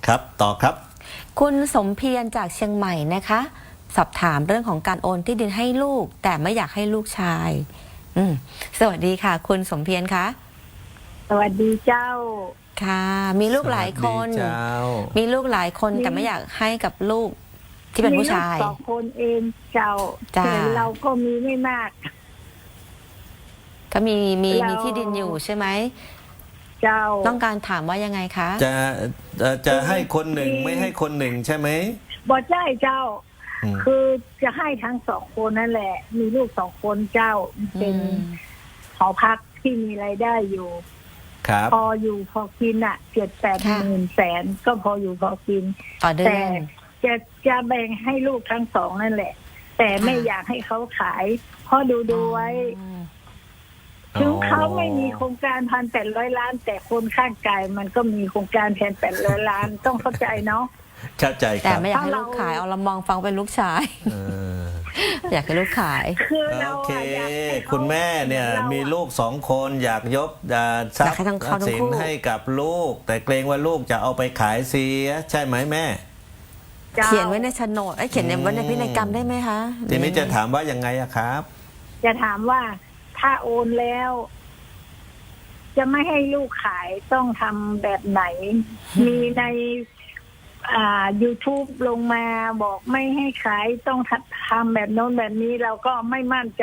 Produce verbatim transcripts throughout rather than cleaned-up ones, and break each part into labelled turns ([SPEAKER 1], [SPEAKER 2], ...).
[SPEAKER 1] ครับต่อครับ
[SPEAKER 2] คุณสมเพียรจากเชียงใหม่นะคะสอบถามเรื่องของการโอนที่ดินให้ลูกแต่ไม่อยากให้ลูกชายอืมสวัสดีค่ะคุณสมเพียรคะ
[SPEAKER 3] สวัสดีเจ้า
[SPEAKER 2] ค่ะมีลูกหลายคนมีลูกหลายคนแต่ไม่อยากให้กับลูกที่เป็นผู้ชาย
[SPEAKER 3] มีลูกสองคนเองเจ้าแต่เราก็มีไม่มาก
[SPEAKER 2] ก็มีมีมีที่ดินอยู่ใช่ไหม
[SPEAKER 3] เจ้า
[SPEAKER 2] ต้องการถามว่ายังไงคะ
[SPEAKER 1] จะจะให้คนหนึ่งไม่ให้คนหนึ่งใช่ไหม
[SPEAKER 3] บ่ใช่เจ้าคือจะให้ทั้งสองคนนั่นแหละมีลูกสองคนเจ้าเป็นหอพักที่มีรายได้อยู่พออยู่พอกินอ่ะเจ็ดแปดหมื่นแสนก็พออยู่พอกินแต่จะจะแบ่งให้ลูกทั้งสองนั่นแหละแต่ไม่อยากให้เขาขายเพราะดูดูไว้ถึงเขาไม่มีโครงการพันแปดร้อยล้านแต่คนข้างกายมันก็มีโครงการแทนแปดร้อยล้านต้องเข้าใจเนาะ
[SPEAKER 1] เข้าใจครับ
[SPEAKER 2] แต่ไม่อยากให้ลูกขายเอาละมองฟังเป็นลูกชายอยากให้ลูกขาย
[SPEAKER 1] โอเคคุณแม่เนี่ยมีลูกสองคนอยากยกทรัพย์สินให้กับลูกแต่เกรงว่าลูกจะเอาไปขายเสียใช่ไหมแม่
[SPEAKER 2] เขียนไว้ในโฉนดไอ้เขียนไว้ในพินัยกรรมได้ไหมคะ
[SPEAKER 1] ทีนี้จะถามว่ายังไงอะครับ
[SPEAKER 3] จะถามว่าถ้าโอนแล้ว จะไม่ให้ลูกขายต้องทำแบบไหน มีในอ่า YouTube ลงมาบอกไม่ให้ขายต้องทำแบบโน้นแบบนี้เราก็ไม่มั่นใจ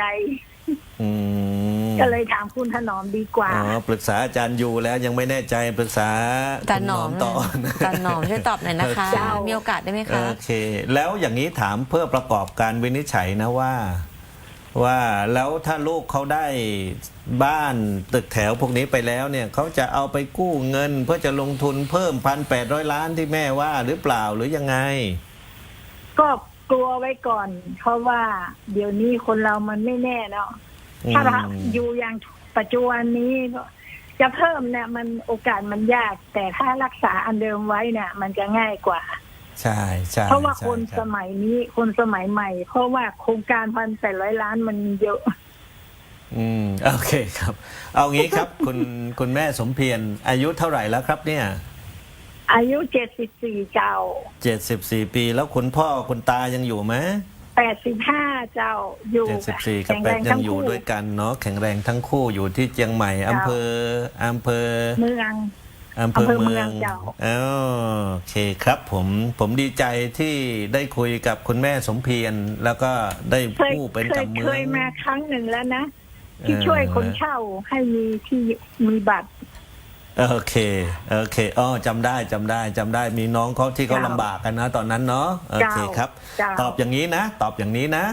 [SPEAKER 3] ก็เลยถามคุณถนอมดีกว่า
[SPEAKER 1] อ๋อปรึกษาอาจารย์อยู่แล้วยังไม่แน่ใจปรึกษา
[SPEAKER 2] อาจารย์หนอมต่ออาจารย์หนอมช่วยตอบหน่อยนะคะมีโอกาสได้ไหมคะ
[SPEAKER 1] โอเคแล้วอย่างนี้ถามเพื่อประกอบการวินิจฉัยนะว่าว่าแล้วถ้าลูกเขาได้บ้านตึกแถวพวกนี้ไปแล้วเนี่ยเขาจะเอาไปกู้เงินเพื่อจะลงทุนเพิ่มพันแปดร้อยล้านที่แม่ว่าหรือเปล่าหรือยังไง
[SPEAKER 3] ก็กลัวไว้ก่อนเพราะว่าเดี๋ยวนี้คนเรามันไม่แน่เนาะถ้าอยู่อย่างปัจจุบันนี้จะเพิ่มเนี่ยมันโอกาสมันยากแต่ถ้ารักษาอันเดิมไว้เนี่ยมันจะง่ายกว่า
[SPEAKER 1] ใช่ใช่
[SPEAKER 3] เพราะว่าคนสมัยนี้คนสมัยใหม่เพราะว่าโครงการพันแปดร้อยล้านมันเยอะ
[SPEAKER 1] อืมโอเคครับเอางี้ครับ คุณคุณแม่สมเพียรอายุเท่าไหร่แล้วครับเนี่ย
[SPEAKER 3] อายุเจ็ดสิบสี่เจ้า
[SPEAKER 1] เจ็ดสิบสี่ปีแล้วคุณพ่อคุณตายังอยู่ไหม
[SPEAKER 3] แปดสิบห้าเจ้าอยู่
[SPEAKER 1] เจ็ดสิบสี่กับแปดยังอยู่ด้วยกันเนาะแข็งแรงทั้งคู่อยู่ที่เชียงใหม่อำเภออำเภอ
[SPEAKER 3] เมือง
[SPEAKER 1] อำเภอเมืองอ๋อโอเคครับผมผมดีใจที่ได้คุยกับคุณแม่สมเพียรแล้วก็ได้พูดเป็นกับเมือง
[SPEAKER 3] เคยมาครั้งหนึ่งแล้วนะที่ช่วยคนเช่าให้มีที่มีบัตร
[SPEAKER 1] โอเคโอเคอ๋อจำได้จำได้จำได้มีน้องเขาที่เขาลำบากกันนะตอนนั้นเนาะโอเคครับตอบอย่างนี้นะตอบอย่างนี้นะ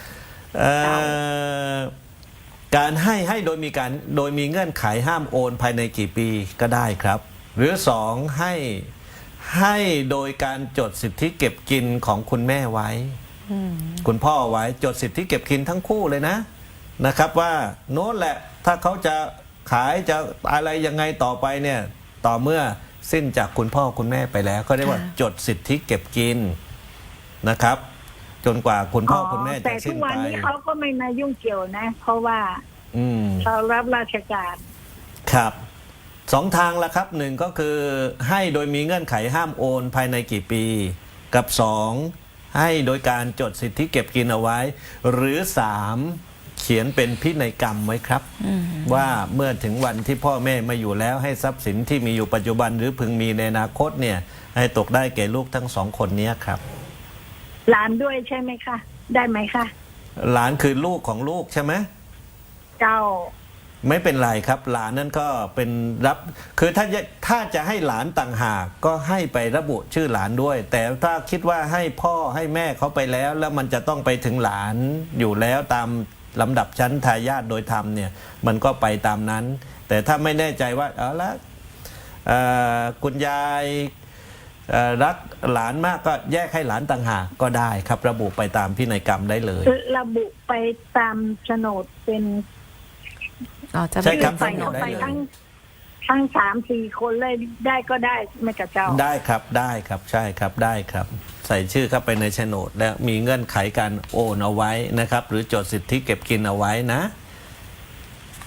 [SPEAKER 1] การให้ให้โดยมีการโดยมีเงื่อนไขห้ามโอนภายในกี่ปีก็ได้ครับหรือสองให้ให้โดยการจดสิทธิเก็บกินของคุณแม่ไว้คุณพ่อไว้จดสิทธิเก็บกินทั้งคู่เลยนะนะครับว่าโน้นแหละถ้าเขาจะขายจะอะไรยังไงต่อไปเนี่ยต่อเมื่อสิ้นจากคุณพ่อคุณแม่ไปแล้วก็เรียกว่าจดสิทธิเก็บกินนะครับจนกว่าคุณพ่อคุณแม่จะสิ้นไปแต่ทุกวัน
[SPEAKER 3] นี้เขาก็ไม่มายุ่งเกี่ยวนะเพราะว่าเขารับราชการ
[SPEAKER 1] ครับสองทางละครับหนึ่งก็คือให้โดยมีเงื่อนไขห้ามโอนภายในกี่ปีกับสองให้โดยการจดสิทธิเก็บกินเอาไว้หรือสามเขียนเป็นพินัยกรรมไว้ครับว่าเมื่อถึงวันที่พ่อแม่มาอยู่แล้วให้ทรัพย์สินที่มีอยู่ปัจจุบันหรือพึงมีในอนาคตเนี่ยให้ตกได้แก่ลูกทั้งสองคนนี้ครับ
[SPEAKER 3] หลานด้วยใช่ไหมคะได้ไหมคะ
[SPEAKER 1] หลานคือลูกของลูกใช่ไหม
[SPEAKER 3] เจ้า
[SPEAKER 1] ไม่เป็นไรครับหลานนั่นก็เป็นรับคือถ้าถ้าจะให้หลานต่างหากก็ให้ไประบุชื่อหลานด้วยแต่ถ้าคิดว่าให้พ่อให้แม่เขาไปแล้วแล้วมันจะต้องไปถึงหลานอยู่แล้วตามลำดับชั้นทายาทโดยธรรมเนี่ยมันก็ไปตามนั้นแต่ถ้าไม่แน่ใจว่าเอาละคุณยายรักหลานมากก็แยกให้หลานต่างหากก็ได้ครับระบุไปตามพินัยกรรมได้เลย
[SPEAKER 3] ระบุไปตามโฉนดเป็น
[SPEAKER 1] ใช่ครับ
[SPEAKER 3] ใส่ไปทั้งทั้งสามสี่คนเลยได้ก็ได้ไม่กระเจ้า
[SPEAKER 1] ได้ครับได้ครับใช่ครับได้ครับใส่ชื่อเข้าไปในโฉนดแล้วมีเงื่อนไขการโอนเอาไว้นะครับหรือจดสิทธิเก็บกินเอาไว้นะ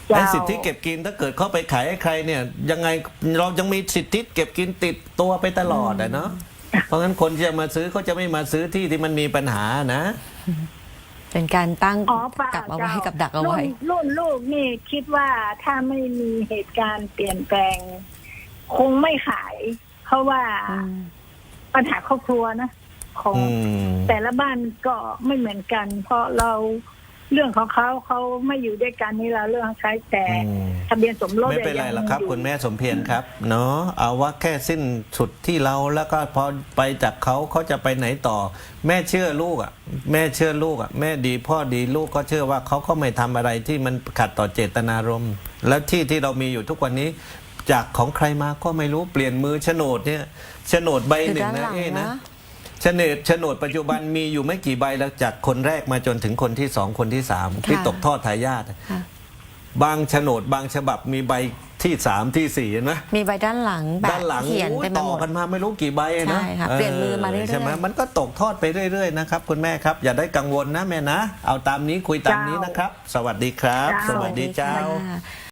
[SPEAKER 3] เจ้า
[SPEAKER 1] ไอ้สิทธิเก็บกินถ้าเกิดเขาไปขายให้ใครเนี่ยยังไงเรายังมีสิทธิเก็บกินติดตัวไปตลอดอะเนาะเพราะงั้นคนที่จะมาซื้อเขาจะไม่มาซื้อที่ที่มันมีปัญหานะ
[SPEAKER 2] เป็นการตั้ง
[SPEAKER 3] อ๋อเปล่า
[SPEAKER 2] กับเอาไว้
[SPEAKER 3] เจ้า
[SPEAKER 2] กับดักเอาไว้
[SPEAKER 3] รุ่นรุ่นลูกนี่คิดว่าถ้าไม่มีเหตุการณ์เปลี่ยนแปลง คงไม่ขาย เพราะว่า
[SPEAKER 2] อืม
[SPEAKER 3] ปัญหาครอบครัวนะของ
[SPEAKER 1] อืม
[SPEAKER 3] แต่ละบ้านก็ไม่เหมือนกัน เพราะเราเรื่องของเขาเขาไม่อยู่ด้วยกันนี่เราเรื่องของใช้แต่
[SPEAKER 1] อืม
[SPEAKER 3] ทะเบียนสมรส
[SPEAKER 1] ไม่เป็นไรหรอกครับ
[SPEAKER 3] ยังยู่
[SPEAKER 1] คุณแม่สมเพียรครับเนาะเอาว่าแค่สิ้นสุดที่เราแล้วก็พอไปจากเขาเขาจะไปไหนต่อ แม่เชื่อลูกอ่ะแม่เชื่อลูกอ่ะแม่ดีพ่อดีลูกก็เชื่อว่าเขาก็ไม่ทำอะไรที่มันขัดต่อเจตนารมณ์แล้วที่ที่เรามีอยู่ทุกวันนี้ จากของใครมาก็ไม่รู้เปลี่ยนมือโฉนดเนี่ยโฉนดใบหนึ่ง
[SPEAKER 2] คือด้านหลัง
[SPEAKER 1] นะเอ๊ะนะ
[SPEAKER 2] นะ
[SPEAKER 1] โฉนดโฉนดปัจจุบันมีอยู่ไม่กี่ใบแล้วจากคนแรกมาจนถึงคนที่สองคนที่สามที่ตกทอดทายาท
[SPEAKER 2] ค่ะ
[SPEAKER 1] บางโฉนดบางฉบับมีใบที่สามที่สี่เห็นไหม
[SPEAKER 2] มีใบด้านหลังแบบ
[SPEAKER 1] ด้านหลัง
[SPEAKER 2] เขียน
[SPEAKER 1] โอ้ย
[SPEAKER 2] เต็มไป
[SPEAKER 1] ต่อ
[SPEAKER 2] หมด
[SPEAKER 1] กันมาไม่รู้กี่ใบนะ
[SPEAKER 2] ใช่ค่ะเปลี่ยนมือมาเรื่อยๆ
[SPEAKER 1] ใช่ไหมมันก็ตกทอดไปเรื่อยๆนะครับคุณแม่ครับ อย่าได้กังวลนะแม่นะ เอาตามนี้คุยตามนี้นะครับ สวัสดีครับ
[SPEAKER 3] จ้า
[SPEAKER 1] สวัสดีเจ้า
[SPEAKER 2] ค่ะ